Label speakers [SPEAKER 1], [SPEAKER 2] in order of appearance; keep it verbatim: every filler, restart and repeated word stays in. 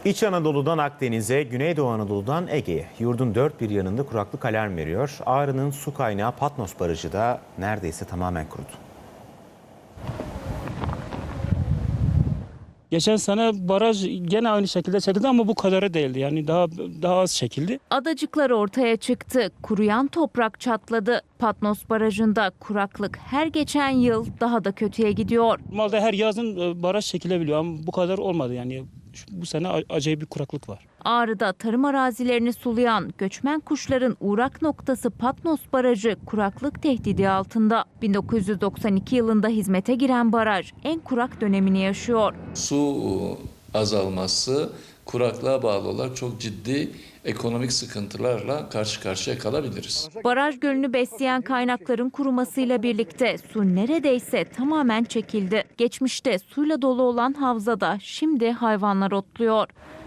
[SPEAKER 1] İç Anadolu'dan Akdeniz'e, Güneydoğu Anadolu'dan Ege'ye yurdun dört bir yanında kuraklık alarm veriyor. Ağrı'nın su kaynağı Patnos Barajı da neredeyse tamamen kurudu.
[SPEAKER 2] Geçen sene baraj gene aynı şekilde çekildi ama bu kadarı değildi. Yani daha daha az çekildi.
[SPEAKER 3] Adacıklar ortaya çıktı. Kuruyan toprak çatladı. Patnos Barajı'nda kuraklık her geçen yıl daha da kötüye gidiyor.
[SPEAKER 2] Normalde her yazın e, baraj çekilebiliyor ama bu kadar olmadı. Yani şu- bu sene a- acayip bir kuraklık var.
[SPEAKER 3] Ağrı'da tarım arazilerini sulayan göçmen kuşların uğrak noktası Patnos Barajı kuraklık tehdidi altında. bin dokuz yüz doksan iki yılında hizmete giren baraj en kurak dönemini yaşıyor.
[SPEAKER 4] Su azalması kuraklığa bağlı olarak çok ciddi ekonomik sıkıntılarla karşı karşıya kalabiliriz.
[SPEAKER 3] Baraj gölünü besleyen kaynakların kurumasıyla birlikte su neredeyse tamamen çekildi. Geçmişte suyla dolu olan havzada şimdi hayvanlar otluyor.